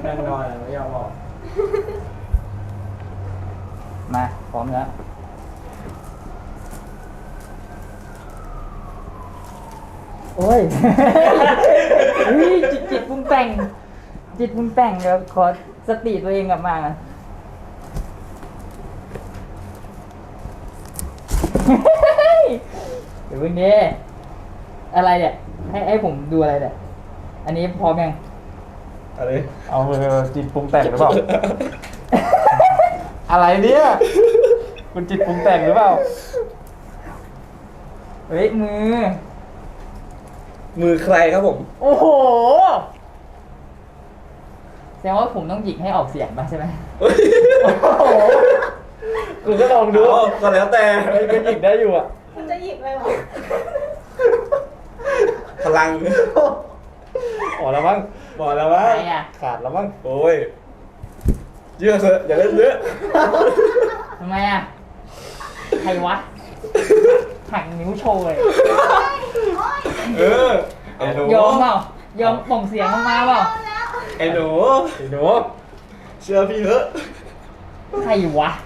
นั่งนอนไม่ยอมบอกมาพร้อมแล้วโอ้ย จิตปรุงแต่งเดี๋ยวขอสติตัวเองกลับมา เดี๋ยวเพิ่งนี้อะไรเนี่ยให้ผมดูอะไรเนี่ยอันนี้พร้อมยังอะไรเอาจิตปรุงแต่งหรือเปล่า อะไรเนี่ยคุณจิตปรุงแต่งหรือเปล่าเฮ้ยมือใครครับผมโอ้โหแสดงว่าผมต้องหยิกให้ออกเสียงป่ะใช่ไหมโอ้โหคุณก็ลองดูก็แล้วแต่ก็หยิกได้อยู่อ่ะมันจะหยิบเลยวะพลังอ๋อแล้วมั้งบอกแล้วว่าใครอ่ะขาดแล้วมั้งโอ้ยเยอะเถอะอย่าเล่นเยอะทำไมอ่ะใครวะหักนิ้วโชว์เลยเออไอ้หนูยอมเปล่ายอมส่งเสียงออกมาเปล่าไอ้หนูไอ้หนูเชื่อพี่เถอะใครวะ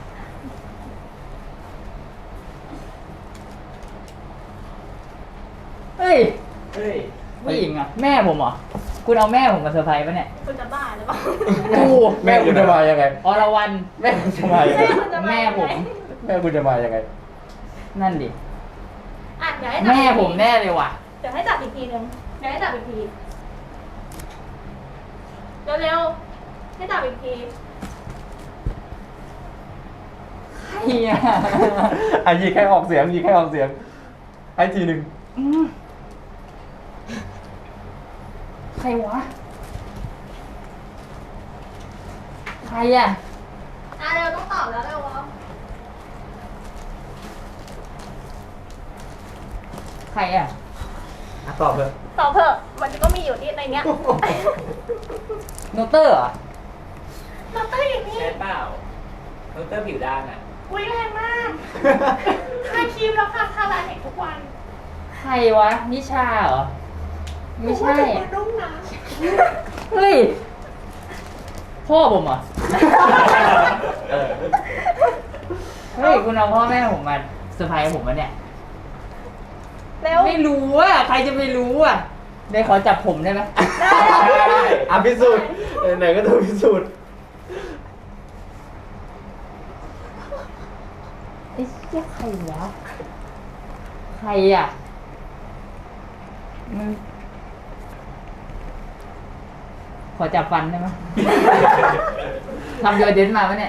เฮ้ยเฮ้ยผู้หญิงอ่ะแม่ผมเหรอคุณเอาแม่ผมมาเซอร์ไพรส์ปะเนี่ยคุณจะบ้าหรือเปล่ากูแม่คุณจะมายังไงอรวรรณแม่คุณจะมายังไงแม่ผมแม่คุณจะมายังไงนั่นดิอ่ะเดี๋ยวให้จับแม่ผมแน่เลยว่ะเดี๋ยวให้จับอีกทีนึงเดี๋ยวให้จับอีกทีเร็วๆให้จับอีกทีเฮียอ่ะหยิกให้ออกเสียงให้ทีหนึ่งอืมใครวะ ใครอ่ะเร็วต้องตอบแล้วเร็วใครอ่ะตอบเถอะตอบเถอะมันก็มีอยู่ที่ในเนี้ยโนเตอร์เหรอเราต้องอย่างนี้ใช่เปล่าโนเตอร์ผิวด้านอ่ะอุ้ยแรงมากทาครีมแล้วค่ะทาลายเห็นทุกวันใครวะ นิชาเหรอ ไม่ใช่มันรุ่งนะเฮ้ย พ่อผมเหรอเออเฮ้ย คุณเอาพ่อแม่ผมมาเซอร์ไพรส์ผมมาเนี่ยเร็วไม่รู้อ่ะ ใครจะไปรู้อ่ะ ได้ขอจับผมได้ไหมอ่ะพิสูจน์ไหนก็ต้องพิสูจน์ไอ้เหี้ยใครวะ ใครอ่ะมันขอจับฟันได้ไหม ทำโยเดนมาปะเนี่ย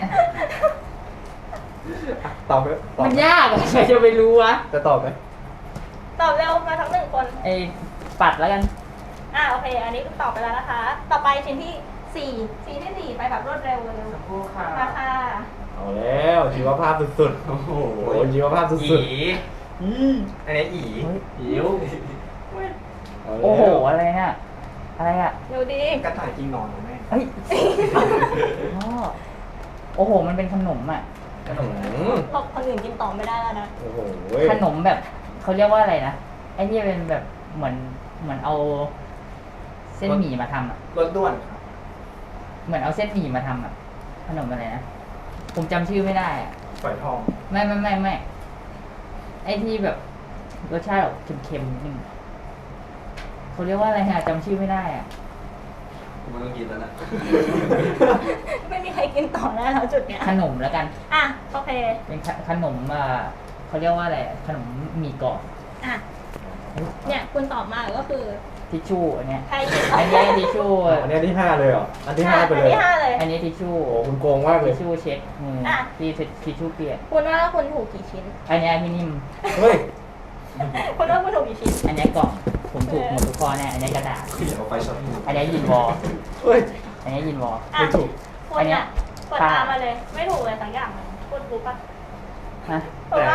ตอบไหมตอบมันยากอะใครจะไปรู้วะจะตอบไหมตอบเร็วมาทั้งหนึ่งคนไอ้ปัดแล้วกันโอเค อันนี้ตอบไปแล้วนะคะ ต่อไปชิ้นที่ชิ้นที่สี่ไปแบบรวดเร็วเลยคู่ค่ะมาค่ะเอาแล้วชีวภาพสุดๆ โอ้โหชีวภาพสุดๆอีอันนี้อีหิวโอ้โห อะไรเนี่ย อะไรอ่ะเร็วดีกระต่ายกินนอนเหรอแม่เฮ้ยพ่อโอ้โห มันเป็นขนมอ่ะขนมตบคนอื่นกินต่อไม่ได้แล้วนะโอ้โหขนมแบบเขาเรียกว่าอะไรนะ ไอ้ที่เป็นแบบเหมือนเอาเส้นหมี่มาทำอ่ะรถด่วนครับเหมือนเอาเส้นหมี่มาทำอ่ะ ขนมอะไรนะ ผมจำชื่อไม่ได้อ่ะฝอยทองไม่ ไอ้ที่แบบรสชาติออกเค็มๆนิดนึงเขาเรียกว่าอะไรฮะจำชื่อไม่ได้อ่ะกูไม่ต้องกินแล้วนะไม่มีใครกินต่อแล้วจุดเนี้ยขนมแล้วกันโอเคเป็นขนมเขาเรียกว่าอะไรอะขนมหมี่กรอบเนี่ยคุณตอบมาก็คือทิชชู่อันเนี้ยใครกินอันนี้ทิชชู่อันนี้ที่ 5 เลยเหรอ อันที่ 5 ไปเลยอันที่ห้าเลยอันนี้ทิชชู่โอ้คุณโกงมากเลทิยชชู่เช็ดมืออ่ะที่ทิชชู่เปียกคุณว่าคุณถูกกี่ชิ้นอันเนี้ยที่นิ่มเฮ้ยคุณว่าคุณถูกกี่ชิ้นอันเนี้ยกล่องผมถูกหมดทุกข้อแน่อันเนี้ยกระดาษพี่เอาไปช็อตอันเนี้ยยินวอลเฮ้ยอันเนี้ยยินวอลไม่ถูกคุณอันเนี้เนี่ยยกดตามมาเลย ไม่ถูกเลยสักอย่างเลยคุณรู้ปะฮะถูกปะ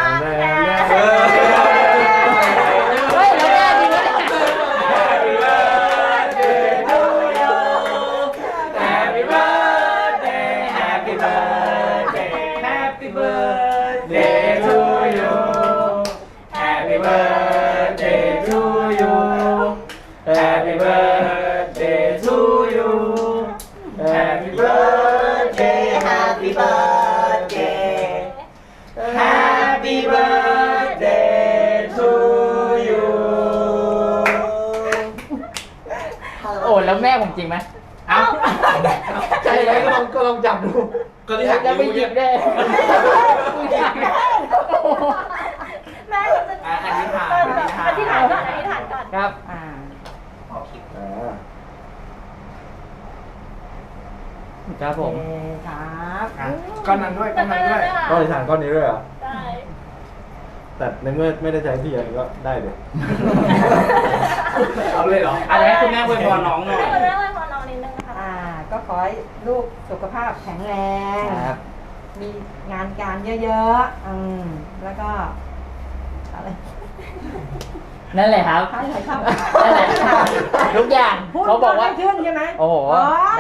เฮ้ยแล้วแน่จริงเลย Happy birthday Happy birthday Happy birthday to you Happy birthday to you Happy birthday to you Happy ผมจริงไหมเอ้าใช่ไหมก็ลองจับดูก็ที่หักจะไปนิ้วหยิเนี่ยบได้แม่จะอธิษฐานอธิษฐานก่อนอธิษฐานก่อนครับอ่าครับผมโอเคครับก้อนนั้นด้วยก้อนนั้นด้วยก็อธิษฐานก้อนนี้ด้วยเหรอได้แต่ในเมื่อไม่ได้ใช้ที่อย่างนี้ก็ได้เดี๋ยวเอาเลยเหรออะไรให้คุณแม่อวยพรน้องหน่อยให้คุณแม่ไว้พอน้องนิดนึงนะคะก็ขอให้ลูกสุขภาพแข็งแรงครับมีงานการเยอะแล้วก็อะไรนั่นแหละครับอะไรครับนั่นแหละทุกอย่างพูดเขาบอกว่าให้ขึ้นใช่ไหมโอ้โหอ๋อได้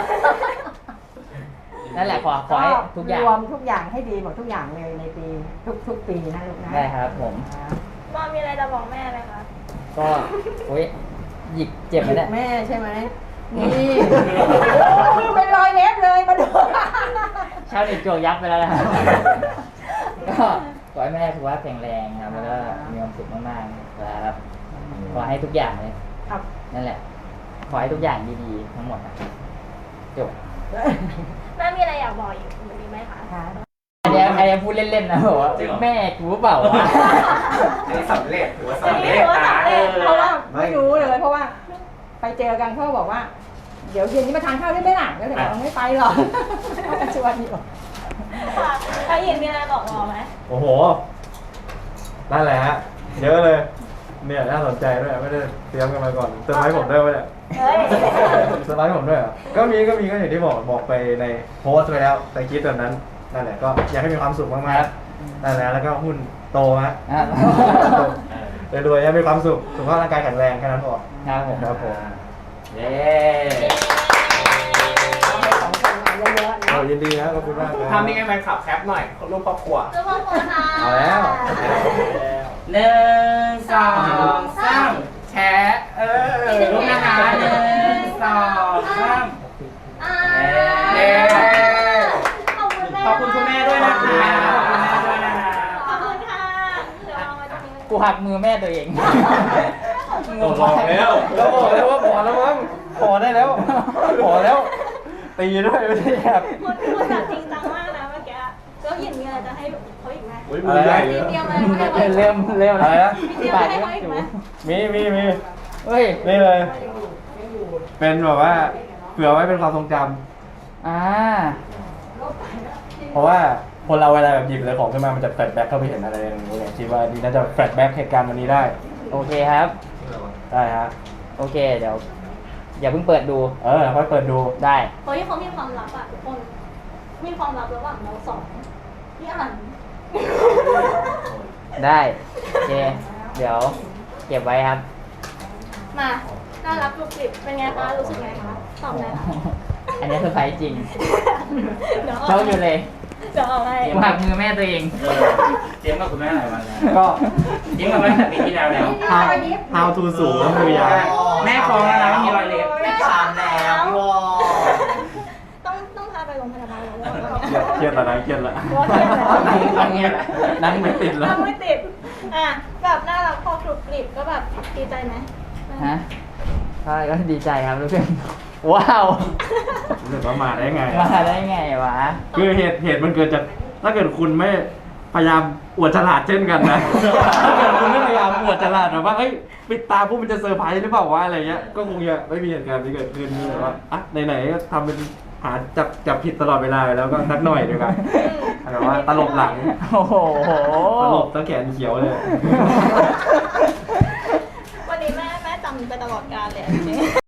นั่นแหละขอให้ทุกอย่างรวมทุกอย่างให้ดีหมดทุกอย่างเลยในปีทุกปีนะลูกนะได้ครับผมมอมีอะไรจะบอกแม่ไหมคะก็โอ้ยหยิกเจ็บไหมเนี่ยแม่ใช่ไหมนี่เป็นรอยเล็บเลยมาดูชาวเน็ตโจกยับไปแล้วนะครับก็ขอให้แม่สุขภาพแข็งแรงครับแล้วก็มีความสุขมากๆครับขอให้ทุกอย่างเลยครับนั่นแหละ ขอให้ทุกอย่างดีๆทั้งหมดนะครับจบแม่มีอะไรอยากบอกอีกมีไหมคะค่ะอันนี้พูดเล่นๆนะบอกว่าแม่กูเปล่าวะอันนี้สำเร็จถือว่าอันสำนี้เร็จถือว่าสำเร็จเพราะว่าไม่รู้เลยเพราะว่า ไปเจอกันเขาบอกว่า เดี๋ยวเย็นนี้มาทานข้าวได้ไหมล่ะก็เลยบอกไม่ไปหรอกเขาก็ชวนอยู่ค่ะแล้วยินมีอะไรบอกมอไหมโอ้โห นั่นแหละฮะ เยอะเลย เนี่ยน่าสนใจด้วย ไม่ได้เตรียมกันมาก่อนเซอร์ไพรส์ผมด้วยวะเนี่ยเฮ้ยเซอร์ไพรส์ผมด้วยเหรอก็มีก็อย่างที่บอกไปในโพสต์ไปแล้วแต่คิดแบบนั้น นั่นแหละก็อยากให้มีความสุขมากๆนั่นแหละแล้วก็หุ้นโตฮะอ่ะรวยๆให้มีความสุข สุขภาพร่างกายแข็งแรงแค่นั้นพอครับผมครับผมเย้ให้สองคนมาเยอะๆนะยินดีนะขอบคุณมากครับทำยังไงแฟนคลับแคปหน่อยรูปครอบครัวทุกคนค่ะเอาแล้ว 1 2 3แชร์รูปนะคะ1 2 3 เย้ ขอบคุณแม่ขอบคุณคุณแม่ด้วยนะคะขอบคุณค่ะเดี๋ยวเรามาตรงนี้กูหักมือแม่ตัวเองบอกแล้วก็บอกแล้วว่าพอแล้วมั้งพอได้แล้วพอแล้ว ตีด้วยไม่ใช่ครับคุณแบบจริงจังมากนะเมื่อกี้ก็ยินมีอะไรจะให้เขาอีกไหมอุ้ยมือใหญ่มีเลยเตรียมอะไรให้เขาอีกไหมเริ่มอะไรนะมีเตรียมอะไรให้เขาอีกไหมมีเฮ้ยนี่เลย เป็นแบบว่าเผื่อไว้เป็นความทรงจอ่าำเพราะว่าคนเราเวลาแบบหยิบอะไรของขึ้นมามันจะแฟลชแบ็คเข้าไปเห็นอะไรอย่างเงี้ยคิดว่านี่น่าจะแฟลชแบ็คเหตุการณ์วันนี้ได้โอเคครับได้ฮะโอเค เดี๋ยว อย่าเพิ่งเปิดดูค่อยเปิดดูได้เฮ้ยเขามีความลับอ่ะทุกคน มีความลับระหว่างเราสองพี่อันได้ โอเค เดี๋ยว เก็บไว้ครับมา น่ารักกรุบกริบเป็นไงคะ รู้สึกไงคะ ตอบเลยค่ะอันนี้เซอร์ไพรส์จริงเดี๋ยวเจ้าอยู่เลยเดี๋ยวเอาไปกูหักมือแม่ตัวเองเจ๊งกับคุณแม่หลายวันแล้วก็เจ๊งกับแม่ตั้งแต่ปีที่แล้วแล้ว how to สูงแล้วมือยาวแม่ฟ้องแล้วนะว่ามีรอยเล็บไม่ถามแล้วต้องพาไปโรงพยาบาลแล้วเครียดแล้วนะเครียดแล้วว่าเครียดแล้วอันนี้แหละนั่งไม่ติดแล้วไม่ติด อ่ะ แบบน่ารักพอกรุบกริบก็แบบดีใจไหมฮะก็ดีใจครับรู้สึกว้าวรู้สึกว่ามาได้ไงมาได้ไงวะคือเหตุมันเกิดจากถ้าเกิดคุณไม่พยายามอวดฉลาดเช่นกันนะ ถ้าเกิดคุณไม่พยายามอวดฉลาดแบบว่าเอ้ยปิดตาปุ๊บมันจะเซอร์ไพรส์หรือเปล่าวะอะไรเงี้ยก็คงจะไม่มีเหตุการณ์นี้เกิดขึ้นแบบว่าอ่ะไหนๆก็ทำเป็นหาจับผิดตลอดเวลาแล้วก็สักหน่อยดีกว่าแบบว่าตลบหลังโอ้โหตลบตั้งแขนเขียวเลยวันนี้แม่จำไปตลอดกาลเลยจริง